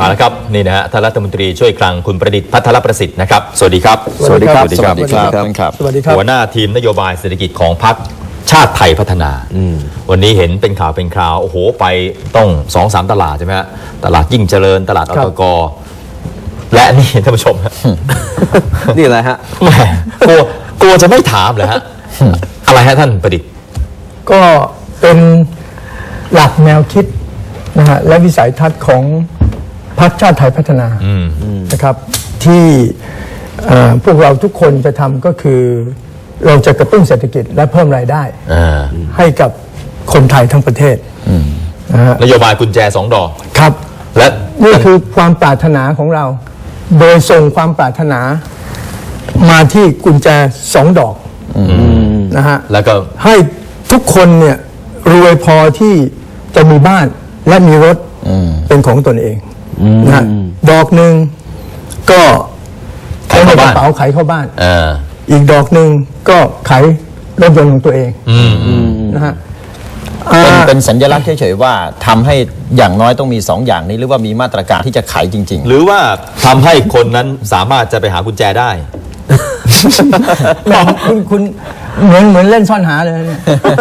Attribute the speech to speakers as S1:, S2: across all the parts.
S1: มาแล้วครับนี่นะฮะท่านรัฐมนตรีช่วยคลังคุณประดิษฐ์พัทรประสิทธิ์นะครับสวัสดีครับ
S2: สวัสดีครับ
S1: สวัสดีครับ
S2: สวัสดีครับ
S3: สวัสดีครับ
S1: หัวหน้าทีมนโยบายเศรษฐกิจของพรรคชาติไทยพัฒนาวันนี้เห็นเป็นข่าวเป็นคราวโอ้โหไปต้อง 2-3 ตลาดใช่ไหมฮะตลาดยิ่งเจริญตลาดอตกและนี่ท่านผู้ชมฮะ
S2: นี่อะไรฮะ
S1: แหมกลัวจะไม่ถามเลยฮะอะไรฮะท่านประดิษฐ์
S3: ก็เป็นหลักแนวคิดนะฮะและวิสัยทัศน์ของพรรคชาติไทยพัฒนานะครับที่พวกเราทุกคนจะทำก็คือเราจะกระตุ้นเศรษฐกิจและเพิ่มรายได้ให้กับคนไทยทั้งประเทศนะฮะ
S1: นโยบายกุญแจ2 ดอก
S3: ครับ
S1: และ
S3: นี่คือความปรารถนาของเรา โดยส่งความปรารถนามาที่กุญแจ2 ดอกนะฮะ
S1: แล้วก็
S3: ให้ทุกคนเนี่ยรวยพอที่จะมีบ้านและมีรถเป็นของตนเองนะฮะดอกหนึ่งก็
S1: ขายเข้าบ้าน
S3: กระเป๋าขายเข้าบ้าน
S1: อ่า
S3: อีกดอกหนึ่งก็ขายรถยนต์ของตัวเองนะฮะ
S2: เป็นสัญลักษณ์เฉยๆว่าทำให้อย่างน้อยต้องมี2อย่างนี้หรือว่ามีมาตรการที่จะขายจริง
S1: หรือว่าทำให้คนนั้นสามารถจะไปหากุญแจได้
S3: แหมคุณเหมือนเล่นซ่อนหาเลยเนี่ย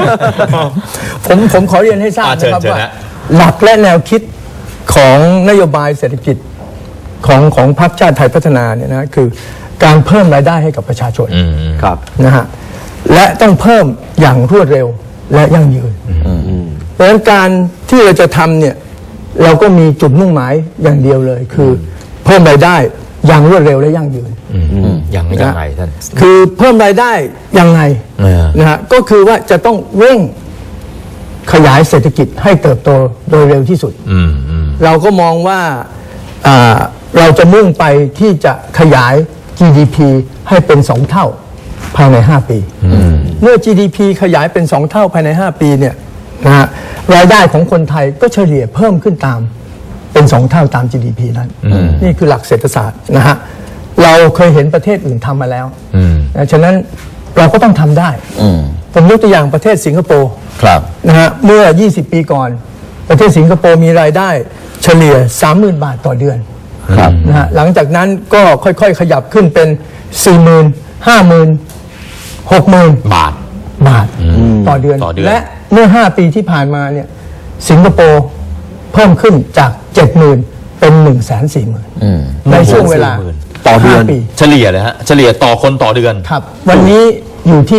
S3: ผมขอเรียนให้ทราบนะครับ
S1: เชิญ
S3: ว่า
S1: ฮะ
S3: หลักและแนวคิดของนโยบายเศรษฐกิจของพรรคชาติไทยพัฒนาเนี่ยนะคือการเพิ่มรายได้ให้กับประชาชน
S2: ครับ
S3: นะฮะและต้องเพิ่มอย่างรวดเร็วและยั่งยืนเพราะฉะนั้นการที่เราจะทำเนี่ยเราก็มีจุดมุ่งหมายอย่างเดียวเลย คือเพิ่มรายได้อย่างรวดเร็วและยั่งยืน
S1: ยังไงท่าน
S3: คือเพิ่มรายได้ยังไงนะฮะก็คือว่าจะต้องเร่งขยายเศรษฐกิจให้เติบโตโดยเร็วที่สุดเราก็มองว่าเราจะมุ่งไปที่จะขยาย GDP ให้เป็น2 เท่าภายใน5 ปีเมื่อ GDP ขยายเป็น2 เท่าภายใน5 ปีเนี่ยนะฮะรายได้ของคนไทยก็เฉลี่ยเพิ่มขึ้นตามเป็น2 เท่าตาม GDP นั้นนี่คือหลักเศรษฐศาสตร์นะฮะเราเคยเห็นประเทศอื่นทำมาแล้วนะฉะนั้นเราก็ต้องทำได้ผมยกตัวอย่างประเทศสิงคโปร์
S2: ครับ
S3: นะฮะเมื่อ20 ปีก่อนประเทศสิงคโปร์มีรายได้เฉลี่ย 30,000 บาทต่อเดือนนะฮะหลังจากนั้นก็ค่อยๆขยับขึ้นเป็น 40,000 50,000 60,000
S1: บาท
S3: ต่อเดือน
S1: ต่อเดือน
S3: และเมื่อ5 ปีที่ผ่านมาเนี่ยสิงคโปร์เพิ่มขึ้นจาก 70,000 เป็น 140,000ในช่วงเวลา
S1: ต่อเดือน
S3: 5 ปี
S1: เฉลี่ยเลยฮะเฉลี่ยต่อคนต่อเดือน
S3: ครับวันนี้อยู่ที่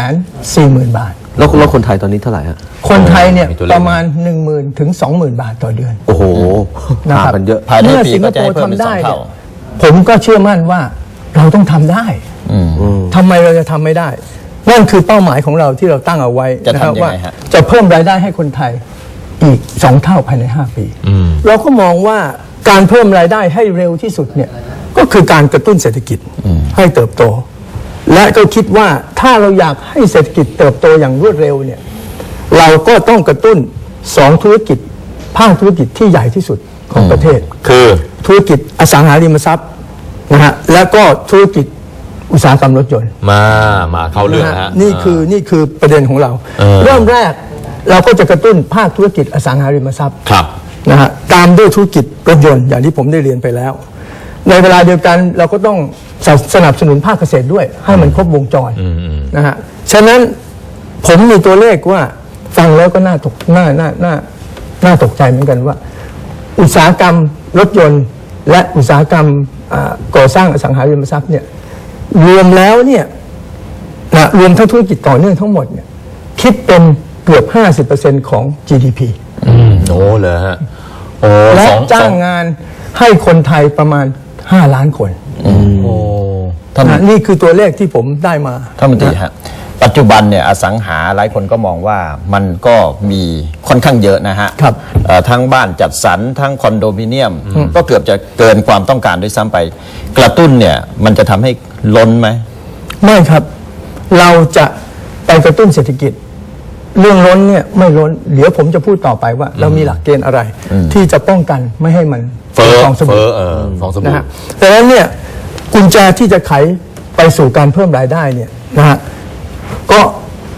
S3: 140,000 บาท
S2: แล้วคนไทยตอนนี้เท่าไหร่ฮะ
S3: คนไทยเนี่ย
S1: มีตัวเลข
S3: ประมาณ 10,000 ถึง 20,000 บาทต่อเดือน
S2: โอ้โห
S3: นะครับ
S2: ห่างกันเยอะภายใน
S3: เมื่อ
S2: ปี
S3: สิงค
S2: ก็
S3: โป
S2: จะให้
S3: ร์
S2: เพิ่มเป็น
S3: ทำได้
S2: 2
S3: เนี่
S2: เท่าย
S3: ผมก็เชื่อมั่นว่าเราต้องทำได้ทำไมเราจะทำไม่ได้ นั่นคือเป้าหมายของเราที่เราตั้งเอาไว้
S2: จะ
S3: นะ
S2: ทำ
S3: ครับ
S2: ยัง
S3: ว่า
S2: ไงฮะ
S3: จะเพิ่มรายได้ให้คนไทยอีก2 เท่าภายใน5 ปีเราก็มองว่าการเพิ่มรายได้ให้เร็วที่สุดเนี่ยก็คือการกระตุ้นเศรษฐกิจให้เติบโต และก็คิดว่าถ้าเราอยากให้เศรษฐกิจเติบโตอย่างรวดเร็วเนี่ยเราก็ต้องกระตุ้น2 ธุรกิจภาคธุรกิจที่ใหญ่ที่สุดของประเทศ
S1: คือ
S3: ธุรกิจอสังหาริมทรัพย์นะฮะแล้วก็ธุรกิจอุตสาหกรรมรถยนต์
S1: มาเข้าเรื่องนะฮะ
S3: นี่คือประเด็นของเรา เริ่มแรกเราก็จะกระตุ้นภาคธุรกิจอสังหาริมทรัพย์
S1: ครับ
S3: นะฮะตามด้วยธุรกิจรถยนต์อย่างที่ผมได้เรียนไปแล้ว ในเวลาเดียวกันเราก็ต้องสนับสนุนภาคเกษตรด้วยให้มันครบวงจรนะฮะฉะนั้นผมมีตัวเลขว่าฟังแล้วก็น่าตกใจเหมือนกันว่า อุตสาหกรรมรถยนต์ และอุตสาหกรรมก่อสร้างอสังหาริมทรัพย์เนี่ยรวมแล้วเนี่ยนะรวมทั้งธุรกิจต่อเนื่องทั้งหมดเนี่ยคิดเป็นเกือบ 50% ของ GDP
S1: โอ้เลยฮะโอ้
S3: และ
S1: สอง
S3: จ้างงานให้คนไทยประมาณ5 ล้านคน
S1: โอ้
S3: นะนี่คือตัวเลขที่ผมได้มา
S2: ท่านมนตรีฮะปัจจุบันเนี่ยอสังหาหลายคนก็มองว่ามันก็มีค่อนข้างเยอะนะฮะ
S3: ครับ
S2: ทั้งบ้านจัดสรรทั้งคอนโดมิเนียม ก็เกือบจะเกินความต้องการด้วยซ้ำไป กระตุ้นเนี่ยมันจะทำให้ล้นไหม
S3: ไม่ครับ เราจะไปกระตุ้นเศรษฐกิจ เรื่องล้นเนี่ยไม่ล้นเดี๋ยวผมจะพูดต่อไปว่า เรามีหลักเกณฑ์อะไร ที่จะป้องกันไม่ให้มัน
S1: เฟ้อ
S3: ฟองสบู่
S1: ฟองส
S3: นะ
S1: บู่
S3: ฮะแต่นั้นเนี่ยกุญแจที่จะไขไปสู่การเพิ่มรายได้เนี่ยนะฮะก็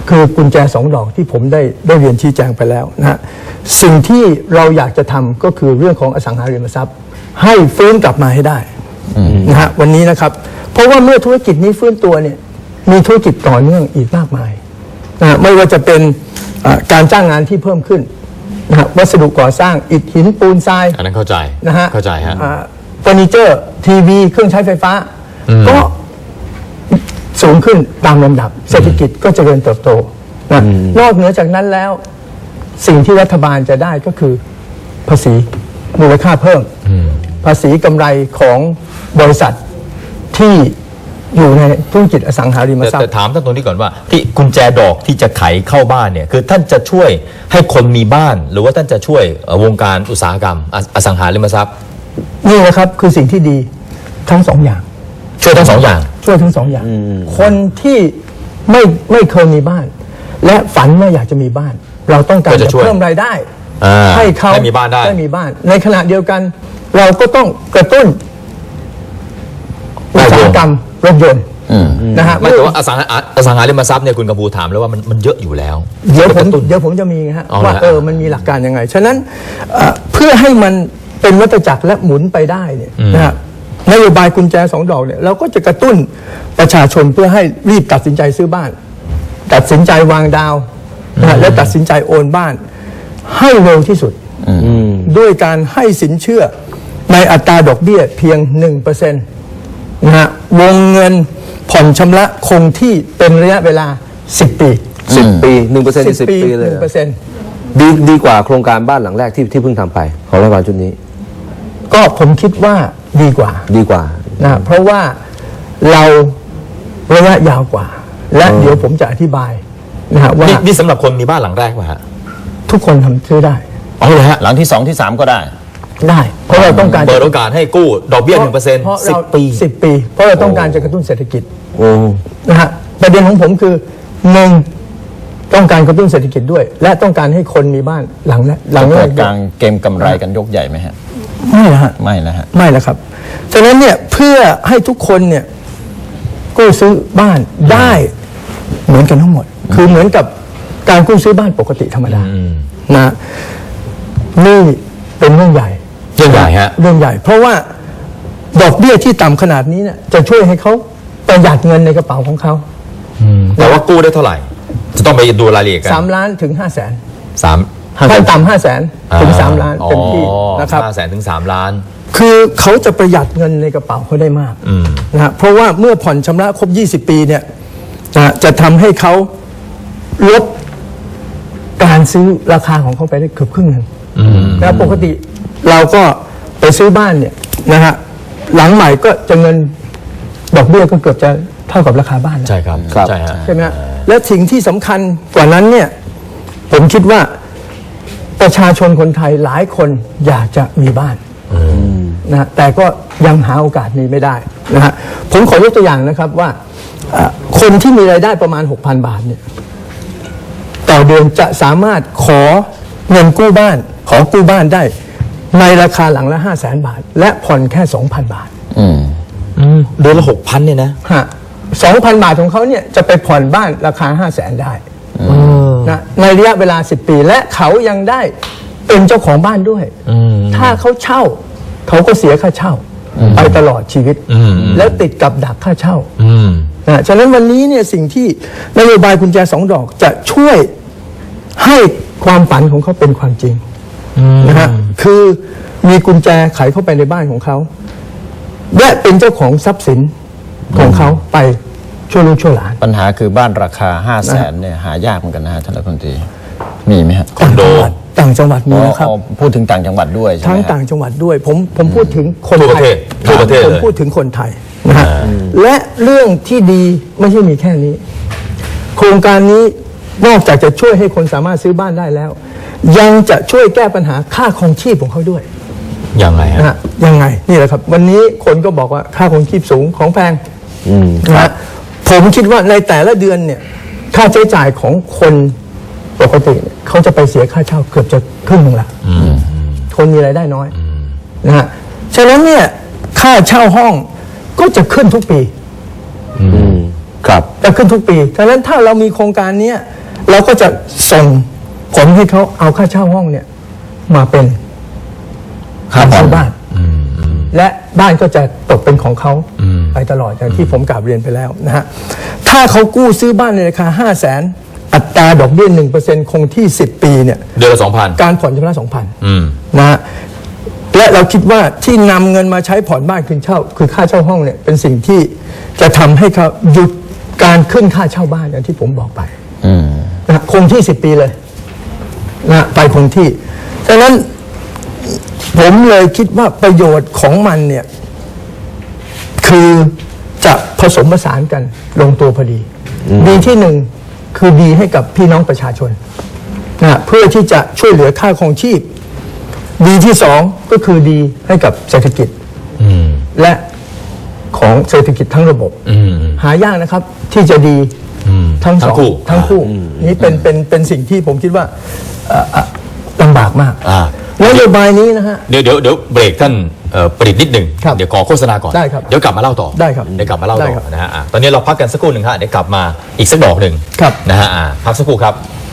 S3: คือกุญแจ2 ดอกที่ผมได้เรียนชี้แจงไปแล้วนะฮะสิ่งที่เราอยากจะทำก็คือเรื่องของอสังหาริมทรัพย์ ให้ฟื้นกลับมาให้ได้นะฮะวันนี้นะครับเพราะว่าเมื่อธุรกิจนี้ฟื้นตัวเนี่ยมีธุรกิจต่อเนื่องอีกมากมายนะฮะไม่ว่าจะเป็นการจ้างงานที่เพิ่มขึ้นนะฮะวัสดุก่อสร้างอิฐหินปูนทราย
S1: อันนั้นเข้าใจ
S3: นะฮะ
S1: เข้าใจฮะ
S3: เฟอร์นิเจอร์ทีวีเครื่องใช้ไฟฟ้าก็สูงขึ้นตามลำดับเศรษฐกิจก็เจริญเติบโตนะนอกเหนือจากนั้นแล้วสิ่งที่รัฐบาลจะได้ก็คือภาษีมูลค่าเพิ่มภาษีกำไรของบริษัทที่อยู่ในธุรกิจอสังหาริมทรัพ
S1: แต่
S3: ย์
S1: ถามท่านตรงนี้ก่อนว่าที่กุญแจดอกที่จะไขเข้าบ้านเนี่ยคือท่านจะช่วยให้คนมีบ้าน หรือว่าท่านจะช่วยวงการอุตสาหกรรมอสังหาริมทรัพย์
S3: นี่นะครับคือสิ่งที่ดีทั้งสองอย่าง
S1: ช่วยทั้งสองอย่าง
S3: ช่วยทั้งสองอย่าง คนที่ไม่เคยมีบ้าน และฝันว่าอยากจะมีบ้าน เราต้องการ
S1: ก็จะ
S3: จะ
S1: ช่วย
S3: เพิ่มรายได้ ให้เขา
S1: ให้มีบ้านได้
S3: มีบ้าน ในขณะเดียวกัน เราก็ต้องกระตุ้นอุตสาหกรรมรถยนต์นะฮะ
S1: ไม่แต่ว่าอสังหาริมทรัพย์เนี่ยคุณกำพูถามแล้วว่ามันเยอะอยู่แล้ว
S3: เดี๋ยว
S1: กระตุ้น
S3: ผมจะมีฮะ
S1: เอาละ
S3: ว่ามันมีหลักการยังไง ฉะนั้นเพื่อให้มันเป็นวัฏจักรและหมุนไปได้เนี่ยนะฮะนโยบายกุญแจ2 ดอกเนี่ยเราก็จะกระตุ้นประชาชนเพื่อให้รีบตัดสินใจซื้อบ้าน ตัดสินใจวางดาวนะฮะและตัดสินใจโอนบ้าน ให้เร็วที่สุดด้วยการให้สินเชื่อในอัตราดอกเบี้ยเพียง 1% นะฮะวงเงินผ่อนชำระคงที่เป็นระยะเวลา 10 ปี
S4: 10 ปี 1% 10 ปีเลย
S3: 1%
S4: ดีกว่าโครงการบ้านหลังแรกที่เพิ่งทำไปของรัฐบาลชุดนี้
S3: ก็ผมคิดว่าดีกว่า
S4: ดีกว่า
S3: นะเพราะว่าเราระยะยาวกว่า และเดี๋ยวผมจะอธิบายนะฮะว่า
S1: นี่สำหรับคนมีบ้านหลังแรกป่ะฮะ
S3: ทุกคนทำซื้อได้
S1: อ๋อเลยฮะ
S2: หลังที่ 2 ที่ 3 ก็ได้
S3: ได้ เพราะเราต้องการ
S1: เปิดโอกาสให้กู้ดอกเบี้ย 1%
S3: เพราะเรา
S1: 10 ปี
S3: 10 ปี เพราะเราต้องการจะกระตุ้นเศรษฐกิจ
S4: โอ้
S3: นะฮะประเด็นของผมคือหนึ่งต้องการกระตุ้นเศรษฐกิจด้วย และต้องการให้คนมีบ้านหลังแรก
S2: จะ
S3: ด้
S2: เกิ
S3: วย
S2: ดการเกมกำไรกันยกใหญ่ไหมฮะ
S3: ไม่นะฮะ
S2: ไม่นะฮะ
S3: ไม่แล้วครับ ฉะนั้นเนี่ยเพื่อให้ทุกคนเนี่ยกู้ซื้อบ้านได้เหมือนกันทั้งหมด คือเหมือนกับการกู้ซื้อบ้านปกติธรรมดานะนี่เป็นเรื่องใหญ่
S1: เรื่องใหญ่ฮะ
S3: เรื่องใหญ่ เพราะว่าดอกเบี้ยที่ต่ำขนาดนี้เนี่ยจะช่วยให้เขาประหยัดเงินในกระเป๋าของเขา
S1: แต่ว่ากู้ได้เท่าไหร่ จะต้องไปดูรายละเอียดกัน
S3: 3 ล้านถึง 5 แสน
S1: สาม
S3: ขั้นต่ำ5 แสนถึง 3 ล้านเต็มที่นะครับ
S1: 500,000 ถึง 3 ล้าน
S3: คือเขาจะประหยัดเงินในกระเป๋าเขาได้มากนะฮะเพราะว่าเมื่อผ่อนชำระครบ 20 ปีเนี่ยนะจะทำให้เขาลดการซื้อราคาของเขาไปได้เกือบครึ่งหนึ่งนะปกติเราก็ไปซื้อบ้านเนี่ยนะฮะหลังใหม่ก็จะเงินดอกเบี้ยก็เกือบจะเท่ากับราคาบ้านแล้ว
S1: ใช่ครับ
S4: ครับ
S1: ใช่ฮะ
S3: ใช่ไหมฮะและสิ่งที่สำคัญกว่านั้นเนี่ยผมคิดว่าประชาชนคนไทยหลายคนอยากจะมีบ้านนะฮะแต่ก็ยังหาโอกาสนี้ไม่ได้นะฮะผมขอยกตัวอย่างนะครับว่าคนที่มีรายได้ประมาณ 6,000 บาทเนี่ยต่อเดือนจะสามารถขอเงินกู้บ้านขอกู้บ้านได้ในราคาหลังละ 500,000 บาท และผ่อนแค่ 2,000 บาท
S1: เดือนละ 6,000 เนี่ยนะ
S3: ฮะ 2,000 บาทของเขาเนี่ยจะไปผ่อนบ้านราคา 500,000 ได้นะในระยะเวลา 10 ปี และเขายังได้เป็นเจ้าของบ้านด้วย ถ้าเขาเช่า เขาก็เสียค่าเช่าไปตลอดชีวิต แล้วติดกับดักค่าเช่านะฉะนั้นวันนี้เนี่ยสิ่งที่นโยบายกุญแจ2 ดอกจะช่วยให้ความฝันของเขาเป็นความจริงนะฮะคือมีกุญแจไขเข้าไปในบ้านของเขาและเป็นเจ้าของทรัพย์สินของเขาไปชั่วลูกชั่วหลาน
S2: ปัญหาคือบ้านราคา 500,000 เนี่ยหายากเหมือนกันนะฮะท่านรัฐมนตรีมีไหมฮะ
S1: คอนโด
S3: ต่างจังหวัดมีนะครับ
S2: อ๋อพูดถึงต่างจังหวัดด้วยใช่ไหม
S3: ทั้ง
S2: ฮะ
S3: ต่างจังหวัดด้วย ผมพูดถึงคน
S1: ทั่วประ
S3: ไท
S1: เท
S3: ย
S1: ศทั่วประเทศ
S3: ผม
S1: เลย
S3: พูดถึงคนไทยนะฮะและเรื่องที่ดีไม่ใช่มีแค่นี้ โครงการนี้นอกจากจะช่วยให้คนสามารถซื้อบ้านได้แล้ว ยังจะช่วยแก้ปัญหาค่าครองชีพของเขาด้วย
S1: ยังไงฮะ
S3: นะฮะยังไงนี่แหละครับ วันนี้คนก็บอกว่าค่าครองชีพสูงของแพงนะฮะผมคิดว่าในแต่ละเดือนเนี่ยค่าใช้จ่ายของคนปกติเนี่ยเขาจะไปเสียค่าเช่าเกือบจะครึ่งหนึ่งละคนมีรายได้น้อยนะฮะฉะนั้นเนี่ยค่าเช่าห้องก็จะขึ้นทุกปี
S4: ครับ
S3: จะขึ้นทุกปีฉะนั้นถ้าเรามีโครงการเนี้ยเราก็จะส่งผลให้เขาเอาค่าเช่าห้องเนี่ยมาเป็นค่าเช่าบ้านและบ้านก็จะตกเป็นของเขาไปตลอดอย่างที่ผมกล่าวเรียนไปแล้วนะฮะถ้าเขากู้ซื้อบ้านในราคา 500,000 อัตราดอกเบี้ย 1% คงที่ 10 ปีเนี่ย
S1: เดือนละ 2,000
S3: การผ่อนชำระ 2,000 นะฮะและเราคิดว่าที่นำเงินมาใช้ผ่อนบ้านคืนเช่าคือค่าเช่าห้องเนี่ยเป็นสิ่งที่จะทำให้เขาหยุดการขึ้นค่าเช่าบ้านอย่างที่ผมบอกไปนะคงที่ 10 ปีเลยนะไปคงที่ฉะนั้นผมเลยคิดว่าประโยชน์ของมันเนี่ยคือจะผสมผสานกันลงตัวพอดีดีที่หนึ่งคือดีให้กับพี่น้องประชาชนนะเพื่อที่จะช่วยเหลือค่าครองชีพดีที่สองก็คือดีให้กับเศรษฐกิจและของเศรษฐกิจทั้งระบบหายากนะครับที่จะดีทั้งสองทั้งคู่นี่เป็นสิ่งที่ผมคิดว่าลำบากมากนโยบายนี้นะฮะ
S1: เดี๋ยวเบรกท่านประดิษฐ์นิดหนึ่ง
S3: ครับ
S1: เดี๋ยวขอโฆษณาก่อน
S3: ได้ครับ
S1: เดี๋ยวกลับมาเล่าต่อ
S3: ได้ครับ
S1: เดี๋ยวกลับมาเล่า
S3: ได้
S1: ต่
S3: ครับ
S1: อนะฮะตอนนี้เราพักกันสักครู่หนึ่งฮะเดี๋ยวกลับมาอีกสักดอกหนึ่ง
S3: ครับ
S1: นะฮะพักสักครู่ครับ